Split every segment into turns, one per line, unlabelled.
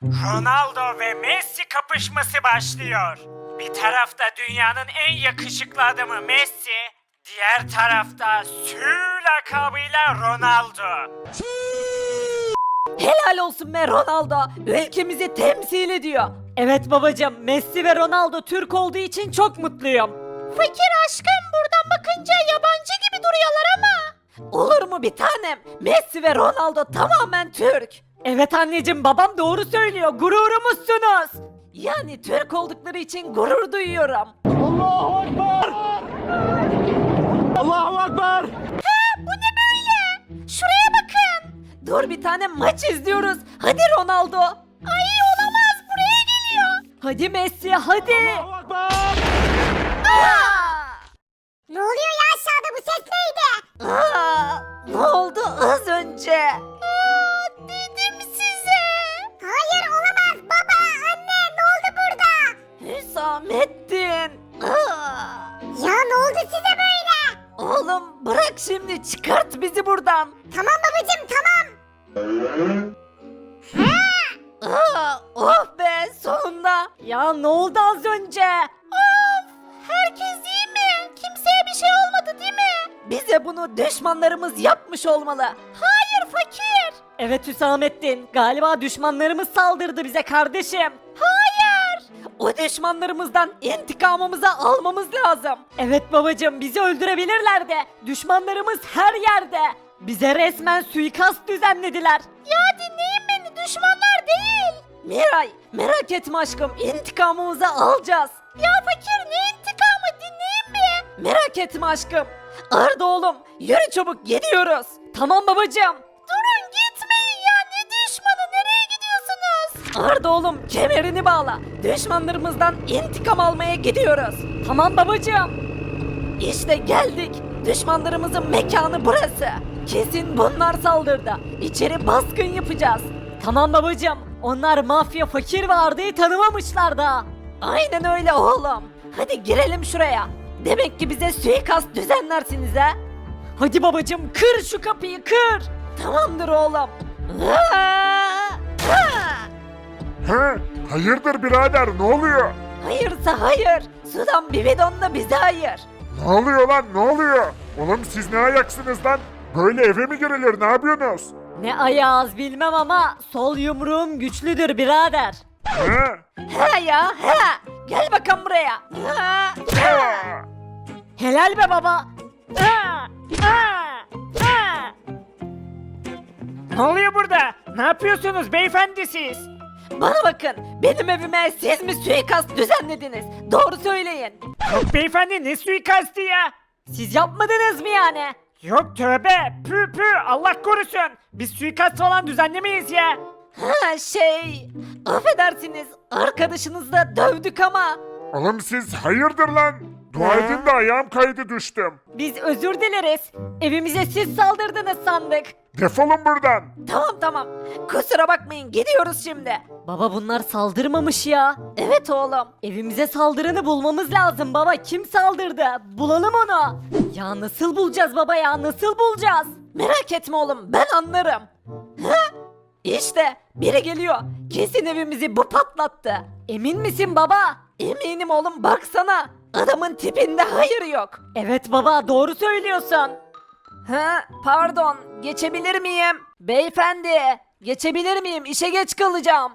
Ronaldo ve Messi kapışması başlıyor. Bir tarafta dünyanın en yakışıklı adamı Messi, diğer tarafta Sü lakabıyla Ronaldo.
Helal olsun be Ronaldo. Ülkemizi temsil ediyor. Evet babacığım, Messi ve Ronaldo Türk olduğu için çok mutluyum. Fakir aşkım, buradan bakınca yabancı gibi duruyorlar ama. Olur mu bir tanem? Messi ve Ronaldo tamamen Türk. Evet anneciğim, babam doğru söylüyor. Gururumuzsunuz. Yani Türk oldukları için gurur duyuyorum.
Allahu Ekber! Allahu Ekber!
Bu ne böyle? Şuraya bakın. Dur bir tane maç izliyoruz. Hadi Ronaldo. Ay olamaz, buraya geliyor. Hadi Messi, hadi.
Allahu Ekber!
Ne oluyor ya aşağıda, bu ses neydi?
Ne oldu az önce?
Dedim size. Hayır olamaz, baba, anne, ne oldu burada?
Hüsamettin.
Ya ne oldu size böyle?
Oğlum bırak şimdi, çıkart bizi buradan.
Tamam babacım, tamam.
Oh be, sonunda. Ya ne oldu az önce? Of, herkes iyi mi? Kimseye bir şey olmadı değil mi? Bize bunu düşmanlarımız yapmış olmalı. Hayır fakir. Evet Hüsamettin, galiba düşmanlarımız saldırdı bize kardeşim. Hayır. O düşmanlarımızdan intikamımızı almamız lazım. Evet babacığım, bizi öldürebilirler de düşmanlarımız her yerde. Bize resmen suikast düzenlediler. Ya dinleyin beni, düşmanlar değil. Miray, merak etme aşkım, intikamımızı alacağız. Ya fakir, ne intikamı, dinleyin mi? Merak etme aşkım. Arda oğlum, yürü çabuk, gidiyoruz. Tamam babacığım. Durun, gitmeyin ya, ne düşmanı, nereye gidiyorsunuz? Arda oğlum, kemerini bağla. Düşmanlarımızdan intikam almaya gidiyoruz. Tamam babacığım. İşte geldik. Düşmanlarımızın mekanı burası. Kesin bunlar saldırdı. İçeri baskın yapacağız. Tamam babacığım. Onlar mafya, fakir ve Arda'yı tanımamışlar da. Aynen öyle oğlum. Hadi girelim şuraya. Demek ki bize suikast düzenlersiniz ha. Hadi babacığım, kır şu kapıyı, kır. Tamamdır oğlum.
He? Hayırdır birader, ne oluyor?
Hayırsa hayır. Sudan bir bidon da bize hayır.
Ne oluyor lan, ne oluyor? Oğlum siz ne ayaksınız lan? Böyle eve mi girilir, ne yapıyorsunuz?
Ne ayağız bilmem ama sol yumruğum güçlüdür birader.
He?
He ya he. Gel bakalım buraya. Ha, ha. Helal be baba. Ha, ha, ha.
Ne oluyor burada? Ne yapıyorsunuz beyefendi siz?
Bana bakın, benim evime siz mi suikast düzenlediniz? Doğru söyleyin.
Yok beyefendi, ne suikastı ya?
Siz yapmadınız mı yani?
Yok tövbe, pü pü, Allah korusun. Biz suikast falan düzenlemeyiz ya.
Ha affedersiniz, arkadaşınızı da dövdük ama.
Oğlum siz hayırdır lan? Dua edin de ayağım kaydı, düştüm.
Biz özür dileriz. Evimize siz saldırdınız sandık.
Defolun buradan.
Tamam. Kusura bakmayın, gidiyoruz şimdi. Baba bunlar saldırmamış ya. Evet oğlum. Evimize saldıranı bulmamız lazım baba. Kim saldırdı? Bulalım onu. Ya nasıl bulacağız baba ya? Nasıl bulacağız? Merak etme oğlum, ben anlarım. Ha? İşte biri geliyor. Kesin evimizi bu patlattı. Emin misin baba? Eminim oğlum, baksana. Adamın tipinde hayır yok. Evet baba, doğru söylüyorsun. Ha, pardon, geçebilir miyim? Beyefendi, geçebilir miyim? İşe geç kalacağım.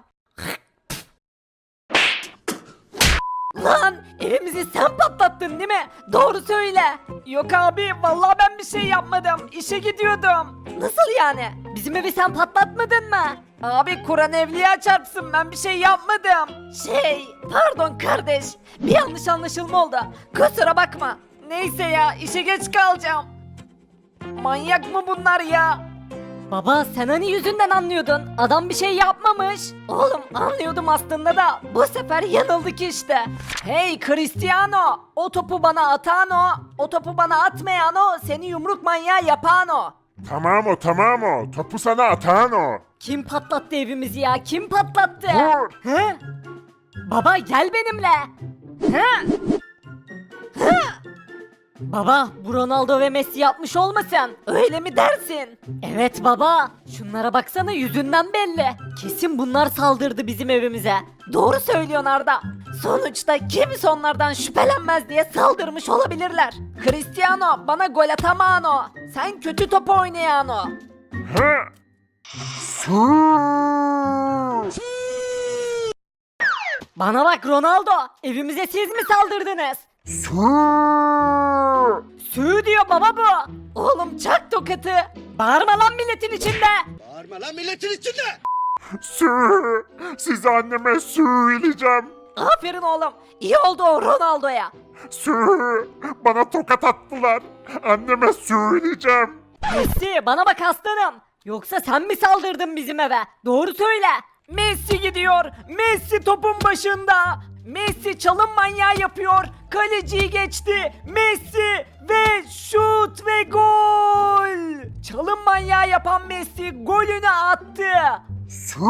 Lan, evimizi sen patlattın değil mi? Doğru söyle. Yok abi, vallahi ben bir şey yapmadım. İşe gidiyordum. Nasıl yani? Bizim evi sen patlatmadın mı? Abi Kur'an evliya çarpsın, ben bir şey yapmadım. Pardon kardeş. Bir yanlış anlaşılma oldu. Kusura bakma. Neyse ya, işe geç kalacağım. Manyak mı bunlar ya? Baba sen hani yüzünden anlıyordun. Adam bir şey yapmamış. Oğlum anlıyordum aslında da bu sefer yanıldık işte. Hey Cristiano, o topu bana atan o, o topu bana atmayan o, seni yumruk manyağı yapan o.
Tamam o. Topu sana atan o.
Kim patlattı evimizi ya? Kim patlattı?
Dur.
He? Baba gel benimle. He? He? Baba bu Ronaldo ve Messi yapmış olmasın? Öyle mi dersin? Evet baba. Şunlara baksana yüzünden belli. Kesin bunlar saldırdı bizim evimize. Doğru söylüyorsun Arda. Sonuçta kimse onlardan şüphelenmez diye saldırmış olabilirler. Cristiano bana gol atamano. Sen kötü top oynayano.
He? Su.
Bana bak Ronaldo. Evimize siz mi saldırdınız?
Su.
Sü diyor baba bu. Oğlum çak tokatı. Bağırma lan milletin içinde.
Bağırma lan milletin içinde!
Su. Size anneme söyleyeceğim.
Aferin oğlum. İyi oldu o Ronaldo'ya.
Su. Bana tokat attılar. Anneme söyleyeceğim.
Messi bana bak aslanım. Yoksa sen mi saldırdın bizim eve? Doğru söyle. Messi gidiyor. Messi topun başında. Messi çalım manyağı yapıyor. Kaleciyi geçti. Messi ve şut ve gol. Çalım manyağı yapan Messi golünü attı.
Su.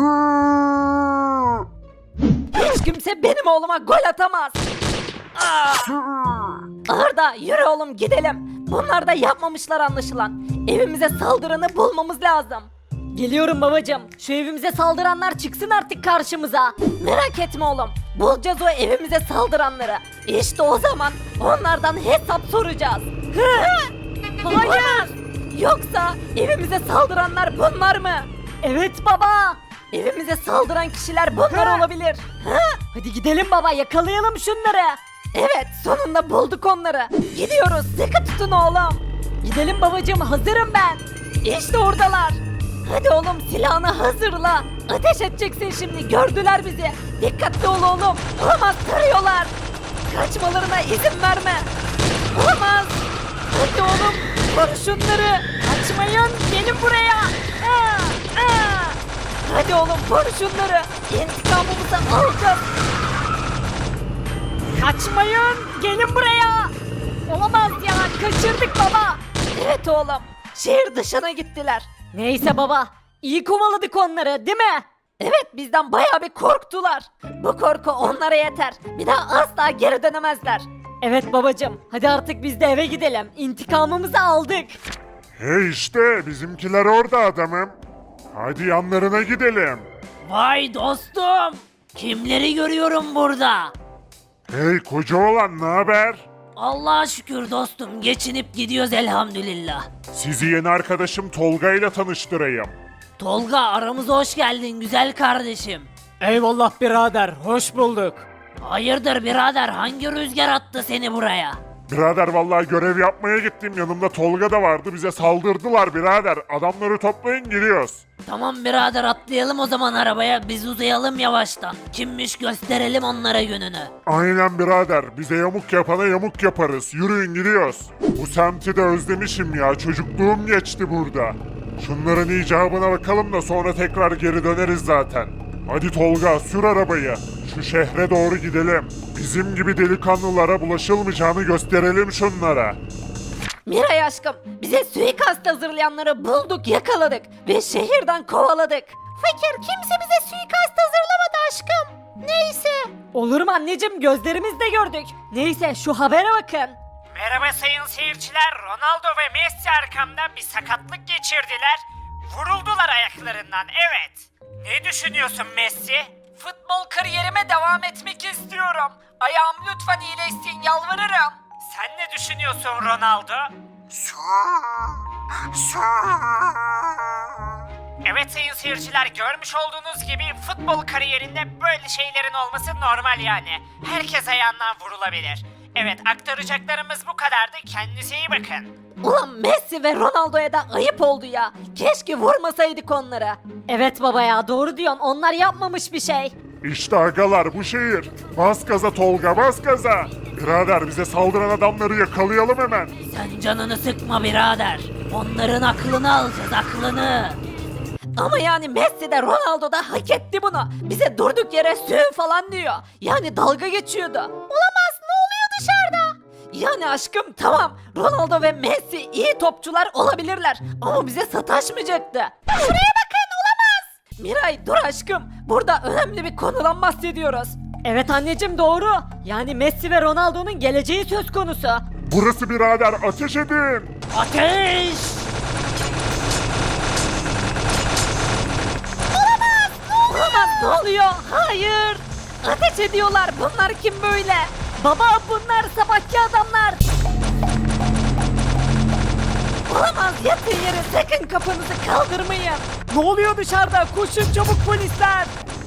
Hiç kimse benim oğluma gol atamaz.
Su.
Arda yürü oğlum gidelim. Bunlar da yapmamışlar anlaşılan. Evimize saldıranı bulmamız lazım. Geliyorum babacım. Şu evimize saldıranlar çıksın artık karşımıza. Merak etme oğlum. Bulacağız o evimize saldıranları. İşte o zaman onlardan hesap soracağız. Hayır. Yoksa evimize saldıranlar bunlar mı? Evet baba. Evimize saldıran kişiler bunlar olabilir. Hadi gidelim baba yakalayalım şunları. Evet sonunda bulduk onları. Gidiyoruz sıkı tutun oğlum. Gidelim babacığım hazırım ben. İşte oradalar. Hadi oğlum silahını hazırla. Ateş edeceksin şimdi gördüler bizi. Dikkatli ol oğlum. Olamaz tarıyorlar. Kaçmalarına izin verme. Olamaz. Hadi oğlum vur şunları. Kaçmayın gelin buraya. Hadi oğlum vur şunları. İntikamımızı alacağız. Kaçmayın gelin buraya. Olamaz ya kaçırdık baba. Evet oğlum şehir dışına gittiler. Neyse baba iyi kovaladık onları değil mi? Evet bizden bayağı bir korktular. Bu korku onlara yeter. Bir daha asla geri dönemezler. Evet babacım hadi artık biz de eve gidelim. İntikamımızı aldık.
Hey işte bizimkiler orada adamım. Hadi yanlarına gidelim.
Vay dostum. Kimleri görüyorum burada?
Hey koca oğlan ne haber?
Allah'a şükür dostum geçinip gidiyoruz elhamdülillah.
Sizi yeni arkadaşım Tolga ile tanıştırayım.
Tolga aramıza hoş geldin güzel kardeşim.
Eyvallah birader, hoş bulduk.
Hayırdır birader hangi rüzgar attı seni buraya?
Birader vallahi görev yapmaya gittim yanımda Tolga da vardı bize saldırdılar birader. Adamları toplayın gidiyoruz.
Tamam birader atlayalım o zaman arabaya biz uzayalım yavaştan. Kimmiş gösterelim onlara gününü.
Aynen birader bize yamuk yapana yamuk yaparız. Yürüyün gidiyoruz. Bu semti de özlemişim ya çocukluğum geçti burada. Şunların icabına bakalım da sonra tekrar geri döneriz zaten. Hadi Tolga sür arabayı. Şu şehre doğru gidelim. Bizim gibi delikanlılara bulaşılmayacağını gösterelim şunlara.
Miray aşkım bize suikast hazırlayanları bulduk yakaladık ve şehirden kovaladık. Fakir kimse bize suikast hazırlamadı aşkım. Neyse. Olur mu anneciğim gözlerimizle gördük. Neyse şu habere bakın.
Merhaba sayın seyirciler. Ronaldo ve Messi arkamdan bir sakatlık geçirdiler. Vuruldular ayaklarından evet. Ne düşünüyorsun Messi?
Futbol kariyerime devam etmek istiyorum. Ayağım lütfen iyileşsin yalvarırım.
Sen ne düşünüyorsun Ronaldo? Evet sayın seyirciler görmüş olduğunuz gibi futbol kariyerinde böyle şeylerin olması normal yani. Herkes ayağından vurulabilir. Evet aktaracaklarımız bu kadardı. Kendinize iyi bakın.
Ulan Messi ve Ronaldo'ya da ayıp oldu ya. Keşke vurmasaydık onları. Evet baba ya doğru diyorsun. Onlar yapmamış bir şey.
İşte agalar bu şehir. Bas gaza Tolga bas gaza. Birader bize saldıran adamları yakalayalım hemen.
Sen canını sıkma birader. Onların aklını alacağız aklını. Ama yani Messi de Ronaldo da hak etti bunu. Bize durduk yere sü falan diyor. Yani dalga geçiyordu. Olamaz ne oluyor dışarıda? Yani aşkım tamam Ronaldo ve Messi iyi topçular olabilirler. Ama bize sataşmayacaktı. Şuraya bakın olamaz. Miray dur aşkım. Burada önemli bir konudan bahsediyoruz. Evet anneciğim doğru. Yani Messi ve Ronaldo'nun geleceği söz konusu.
Burası birader, ateş edin.
Ateş!
Olamaz, ne oluyor? Hayır. Ateş ediyorlar. Bunlar kim böyle? Baba, bunlar sabahki adamlar. Olamaz, yatın yere, sakın kafanızı kaldırmayın. Ne oluyor dışarıda? Koşun çabuk polisler.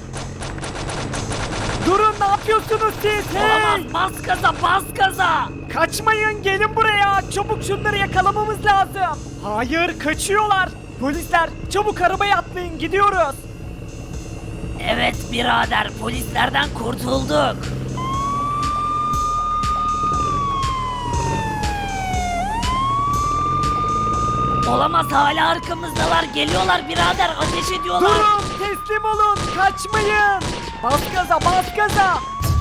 Durun, ne yapıyorsunuz siz? Olamaz, bas gaza, bas gaza. Kaçmayın, gelin buraya. Çabuk şunları yakalamamız lazım. Hayır, kaçıyorlar. Polisler, çabuk arabaya atlayın, gidiyoruz.
Evet birader, polislerden kurtulduk. Olamaz, hala arkamızdalar. Geliyorlar birader, ateş ediyorlar.
Durun, teslim olun, kaçmayın. Bas gaza, bas gaza.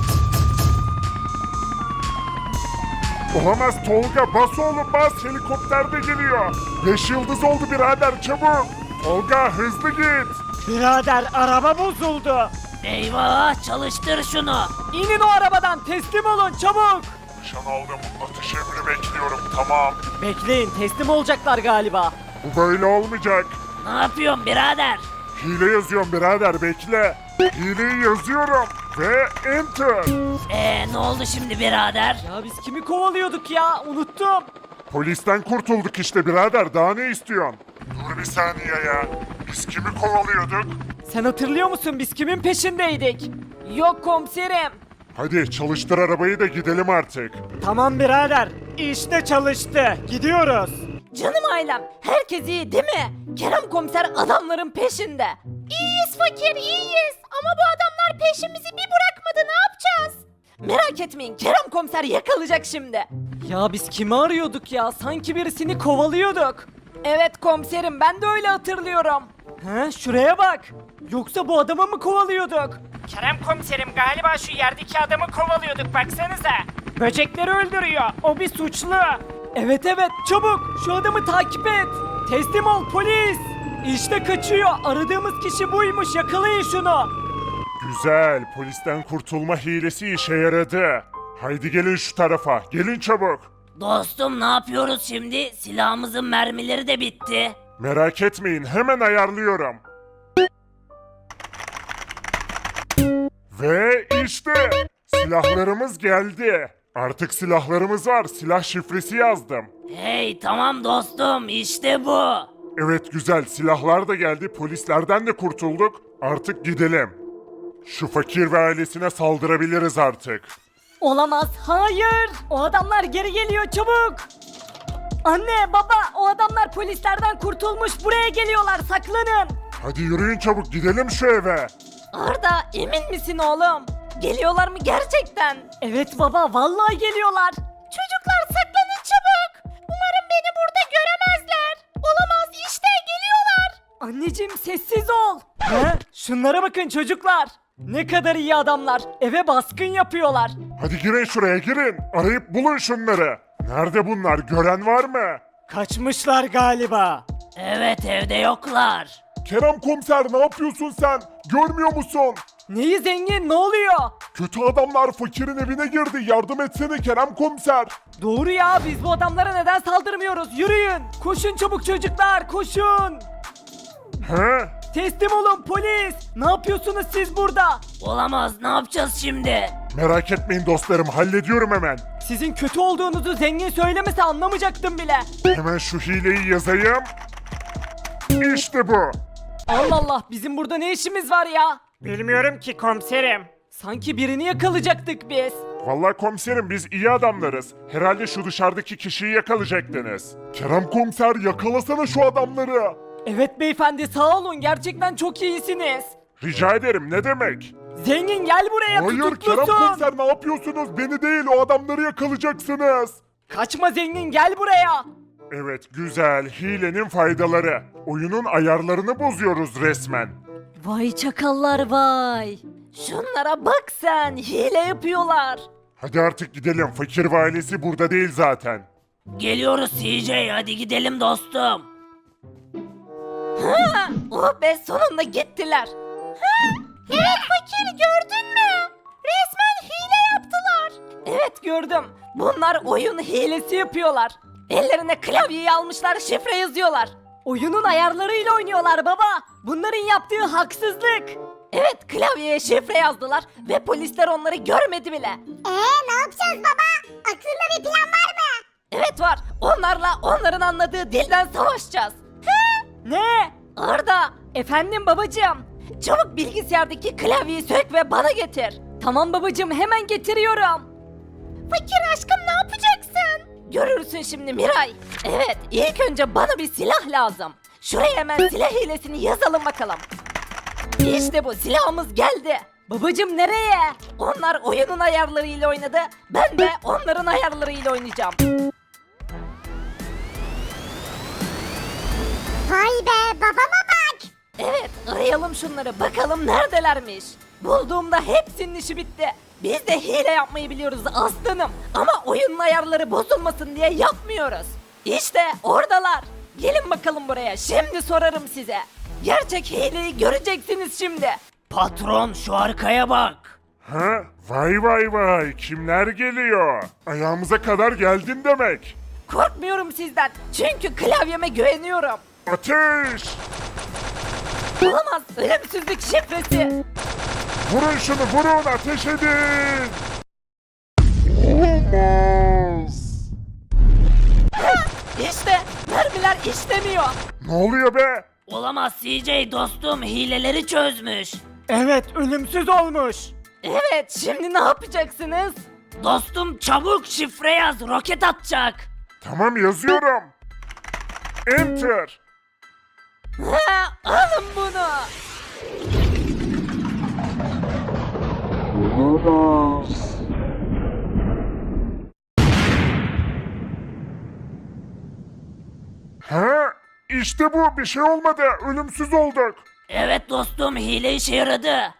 Olamaz Tolga, bas oğlum bas, helikopter de geliyor. 5 yıldız oldu birader, çabuk. Tolga hızlı git.
Birader, araba bozuldu.
Eyvah, çalıştır şunu.
İnin o arabadan, teslim olun çabuk.
Nişan aldım, atış emri bekliyorum, tamam.
Bekleyin, teslim olacaklar galiba.
Bu böyle olmayacak.
Ne yapıyorsun birader?
Hile yazıyorum birader, bekle. Hileyi yazıyorum ve enter.
Ne oldu şimdi birader?
Ya biz kimi kovalıyorduk ya, unuttum.
Polisten kurtulduk işte birader, daha ne istiyorsun? Dur bir saniye ya. Biz kimi kovalıyorduk?
Sen hatırlıyor musun biz kimin peşindeydik? Yok komiserim.
Hadi çalıştır arabayı da gidelim artık.
Tamam birader, işte çalıştı. Gidiyoruz. Canım ailem, herkes iyi değil mi? Kerem komiser adamların peşinde. İyiyiz fakir, iyiyiz. Ama bu adamlar peşimizi bir bırakmadı, ne yapacağız? Merak etmeyin, Kerem komiser yakalayacak şimdi. Ya biz kimi arıyorduk ya? Sanki birisini kovalıyorduk. Evet komiserim, ben de öyle hatırlıyorum. He, şuraya bak. Yoksa bu adamı mı kovalıyorduk?
Kerem komiserim, galiba şu yerdeki adamı kovalıyorduk, baksanıza.
Böcekleri öldürüyor. O bir suçlu. Evet evet, çabuk şu adamı takip et. Teslim ol polis. İşte kaçıyor. Aradığımız kişi buymuş. Yakalayın şunu.
Güzel, polisten kurtulma hilesi işe yaradı. Haydi gelin şu tarafa, gelin çabuk.
Dostum, ne yapıyoruz şimdi? Silahımızın mermileri de bitti.
Merak etmeyin, hemen ayarlıyorum. Ve işte silahlarımız geldi. Artık silahlarımız var. Silah şifresi yazdım.
Hey tamam dostum, işte bu.
Evet güzel, silahlar da geldi. Polislerden de kurtulduk. Artık gidelim. Şu fakir ve ailesine saldırabiliriz artık.
Olamaz. Hayır. O adamlar geri geliyor, çabuk. Anne, baba, o adamlar polislerden kurtulmuş. Buraya geliyorlar. Saklanın.
Hadi yürüyün çabuk, gidelim şu eve.
Arda, emin misin oğlum? Geliyorlar mı gerçekten? Evet baba, vallahi geliyorlar. Çocuklar saklanın çabuk. Umarım beni burada göremezler. Olamaz, işte geliyorlar. Anneciğim sessiz ol. He? Şunlara bakın çocuklar. Ne kadar iyi adamlar. Eve baskın yapıyorlar.
Hadi girin şuraya, girin. Arayıp bulun şunları. Nerede bunlar, gören var mı?
Kaçmışlar galiba.
Evet, evde yoklar.
Kerem komiser, ne yapıyorsun sen? Görmüyor musun?
Neyi zengin, ne oluyor?
Kötü adamlar fakirin evine girdi. Yardım etsene Kerem komiser.
Doğru ya, biz bu adamlara neden saldırmıyoruz? Yürüyün. Koşun çabuk çocuklar, koşun.
He?
Teslim olun polis. Ne yapıyorsunuz siz burada?
Olamaz, ne yapacağız şimdi?
Merak etmeyin dostlarım, hallediyorum hemen.
Sizin kötü olduğunuzu zengin söylemese anlamayacaktım bile.
Hemen şu hileyi yazayım. İşte bu.
Allah Allah, bizim burada ne işimiz var ya?
Bilmiyorum ki komiserim.
Sanki birini yakalayacaktık biz.
Vallahi komiserim, biz iyi adamlarız. Herhalde şu dışarıdaki kişiyi yakalayacaktınız. Kerem komiser, yakalasana şu adamları.
Evet beyefendi, sağ olun, gerçekten çok iyisiniz.
Rica ederim, ne demek?
Zengin gel buraya,
Hayır Kerem
tutuklusun.
komiser, ne yapıyorsunuz? Beni değil, o adamları yakalayacaksınız.
Kaçma zengin, gel buraya.
Evet güzel, hilenin faydaları. Oyunun ayarlarını bozuyoruz resmen.
Vay çakallar vay. Şunlara bak sen, hile yapıyorlar.
Hadi artık gidelim, fakir ve ailesi burada değil zaten.
Geliyoruz CJ, hadi gidelim dostum.
Ha, oh be, sonunda gittiler. Ha, evet fakir, gördün mü? Resmen hile yaptılar. Evet gördüm. Bunlar oyun hilesi yapıyorlar. Ellerine klavyeyi almışlar, şifre yazıyorlar. Oyunun ayarlarıyla oynuyorlar baba. Bunların yaptığı haksızlık. Evet, klavyeye şifre yazdılar ve polisler onları görmedi bile.
Ne yapacağız baba? Aklında bir plan var mı?
Evet var. Onlarla onların anladığı dilden savaşacağız. He? Ne? Arda, efendim babacığım. Çabuk bilgisayardaki klavyeyi sök ve bana getir. Tamam babacığım, hemen getiriyorum. Fakir aşkım, ne yapacaksın? Görürsün şimdi Miray. Evet, ilk önce bana bir silah lazım. Şuraya hemen silah hilesini yazalım bakalım. İşte bu, silahımız geldi. Babacığım nereye? Onlar oyunun ayarlarıyla oynadı. Ben de onların ayarlarıyla oynayacağım.
Vay be, babama bak.
Evet, arayalım şunları, bakalım neredelermiş. Bulduğumda hepsinin işi bitti. Biz de hile yapmayı biliyoruz aslanım. Ama oyunun ayarları bozulmasın diye yapmıyoruz. İşte oradalar. Gelin bakalım buraya, şimdi sorarım size. Gerçek hileyi göreceksiniz şimdi. Patron, şu arkaya bak.
Ha? Vay vay vay, kimler geliyor? Ayağımıza kadar geldin demek.
Korkmuyorum sizden, çünkü klavyeme güveniyorum.
Ateş!
Olamaz, ölümsüzlük şifresi.
Vurun şunu, vurun, ateş edin! Olamaz!
İşte mermiler işlemiyor.
Ne oluyor be?
Olamaz CJ dostum, hileleri çözmüş.
Evet, ölümsüz olmuş.
Evet, şimdi ne yapacaksınız? Dostum çabuk şifre yaz, roket atacak.
Tamam, yazıyorum. Enter!
Ha, alın bunu.
Ha? İşte bu, bir şey olmadı, ölümsüz olduk.
Evet dostum, hile işe yaradı.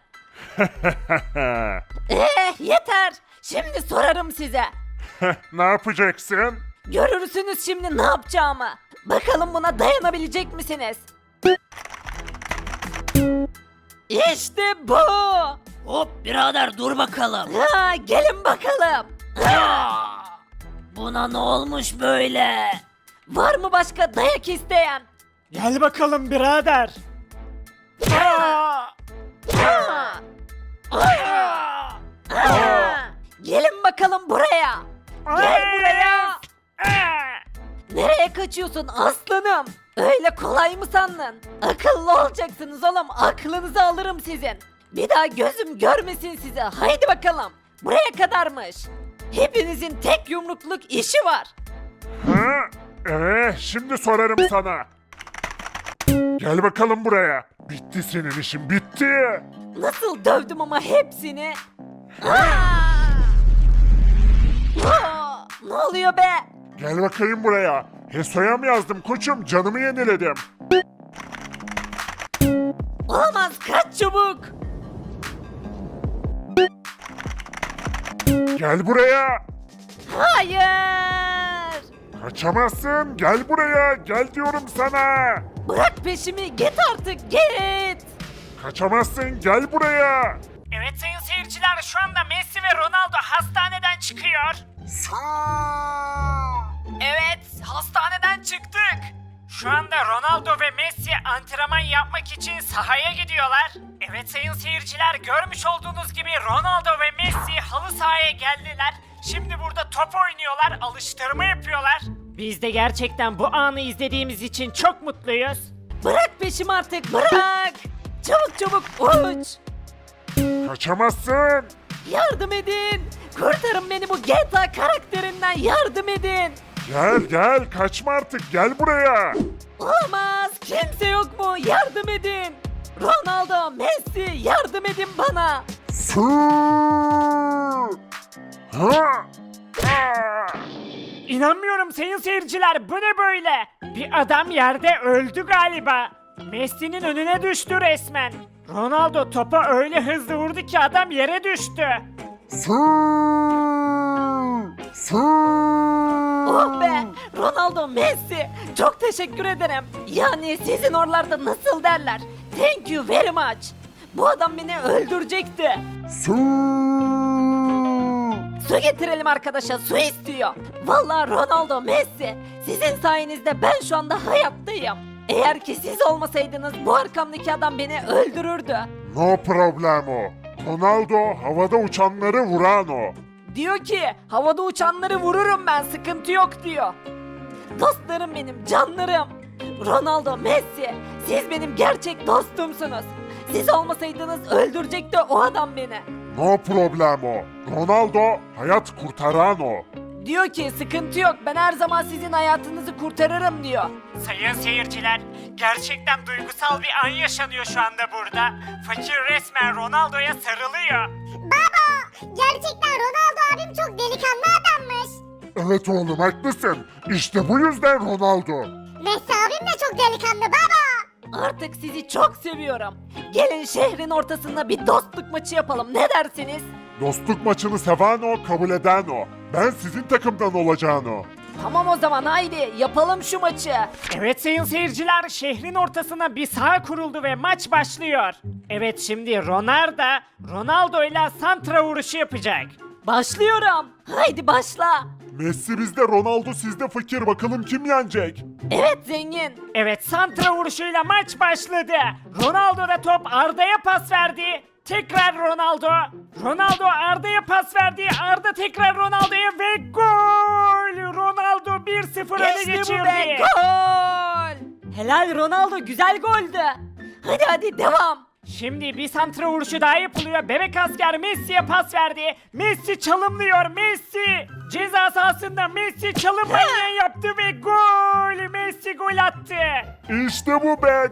Yeter. Şimdi sorarım size.
Ne yapacaksın?
Görürsünüz şimdi ne yapacağımı. Bakalım buna dayanabilecek misiniz? İşte bu. Hop birader, dur bakalım. Ha, gelin bakalım. Buna ne olmuş böyle? Var mı başka dayak isteyen?
Gel bakalım birader.
Gelin bakalım buraya. Gel buraya.
Aa!
Nereye kaçıyorsun aslanım? Öyle kolay mı sandın? Akıllı olacaksınız oğlum. Aklınızı alırım sizin. Bir daha gözüm görmesin sizi. Haydi bakalım. Buraya kadarmış. Hepinizin tek yumrukluk işi var.
Ha? Şimdi sorarım sana. Gel bakalım buraya. Bitti senin işin, bitti.
Nasıl dövdüm ama hepsini. Ne oluyor be?
Gel bakayım buraya. Heso'ya mı yazdım koçum? Canımı yeniledim.
Olamaz, kaç çabuk.
Gel buraya.
Hayır.
Kaçamazsın. Gel buraya. Gel diyorum sana.
Bırak peşimi, git artık, git.
Kaçamazsın. Gel buraya.
Evet sayın seyirciler, şu anda Messi ve Ronaldo hastaneden çıkıyor. Evet, hastaneden çıktık. Şu anda Ronaldo ve Messi antrenman yapmak için sahaya gidiyorlar. Evet sayın seyirciler, görmüş olduğunuz gibi Ronaldo ve Messi halı sahaya geldiler. Şimdi burada top oynuyorlar, alıştırma yapıyorlar.
Biz de gerçekten bu anı izlediğimiz için çok mutluyuz.
Bırak peşimi artık, bırak. Çabuk çabuk uç.
Kaçamazsın.
Yardım edin. Kurtarın beni bu GTA karakterinden, yardım edin.
Gel gel. Kaçma artık. Gel buraya.
Olamaz, kimse yok mu? Yardım edin. Ronaldo, Messi, yardım edin bana.
Su. Ha. Ha.
İnanmıyorum sayın seyirciler, bu ne böyle? Bir adam yerde öldü galiba. Messi'nin önüne düştü resmen. Ronaldo topa öyle hızlı vurdu ki adam yere düştü.
Su. Su.
Oh be, Ronaldo, Messi, çok teşekkür ederim. Yani sizin oralarda nasıl derler? Thank you very much. Bu adam beni öldürecekti.
Su.
Su getirelim arkadaşa, su istiyor. Vallahi Ronaldo, Messi, sizin sayenizde ben şu anda hayattayım. Eğer ki siz olmasaydınız bu arkamdaki adam beni öldürürdü.
No problemo. Ronaldo havada uçanları vuran o.
Diyor ki havada uçanları vururum ben, sıkıntı yok diyor. Dostlarım benim, canlarım. Ronaldo, Messi, siz benim gerçek dostumsunuz. Siz olmasaydınız öldürecekti o adam beni.
No problemo. Ronaldo hayat kurtaran o.
Diyor ki sıkıntı yok, ben her zaman sizin hayatınızı kurtarırım diyor.
Sayın seyirciler, gerçekten duygusal bir an yaşanıyor şu anda burada. Fakir resmen Ronaldo'ya sarılıyor.
Baba gerçekten Ronaldo abim çok delikanlı adammış.
Evet oğlum haklısın. İşte bu yüzden Ronaldo.
Messi abim de çok delikanlı baba.
Artık sizi çok seviyorum. Gelin şehrin ortasında bir dostluk maçı yapalım, ne dersiniz?
Dostluk maçını seven o, kabul eden o. Ben sizin takımdan olacağım o.
Tamam o zaman, haydi yapalım şu maçı.
Evet sayın seyirciler, şehrin ortasına bir saha kuruldu ve maç başlıyor. Evet, şimdi Ronaldo ile santra vuruşu yapacak.
Başlıyorum. Haydi başla.
Messi bizde, Ronaldo sizde fakir. Bakalım kim yenecek?
Evet zengin.
Evet, santra vuruşuyla maç başladı. Ronaldo da top Arda'ya pas verdi. Tekrar Ronaldo. Ronaldo Arda'ya pas verdi. Arda tekrar Ronaldo'ya ve gol! Ronaldo 1-0 öne
İşte bu
geçirdi.
be, gol. Helal Ronaldo, güzel goldü. Hadi devam.
Şimdi bir santra vuruşu daha yapılıyor. Bebek asker Messi'ye pas verdi. Messi çalımlıyor. Messi ceza sahasında, Messi çalım manyağı yaptı ve gol! Messi gol attı.
İşte bu be,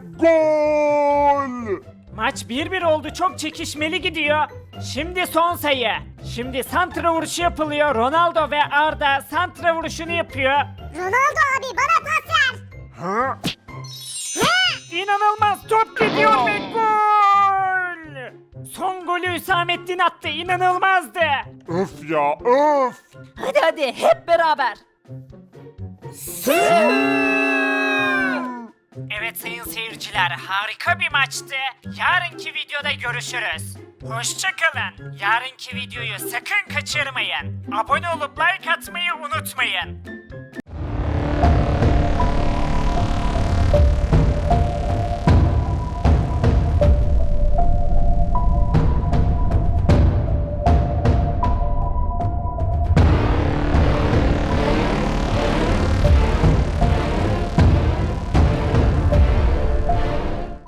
gol!
Maç 1-1 oldu. Çok çekişmeli gidiyor. Şimdi son sayı. Şimdi santra vuruşu yapılıyor. Ronaldo ve Arda santra vuruşunu yapıyor.
Ronaldo abi bana pas ver.
Ha?
İnanılmaz, top gidiyor ve gol! Son golü Hüsamettin attı. İnanılmazdı.
Öf ya, öf!
Hadi hep beraber.
Evet sayın seyirciler, harika bir maçtı. Yarınki videoda görüşürüz. Hoşçakalın. Yarınki videoyu sakın kaçırmayın. Abone olup like atmayı unutmayın.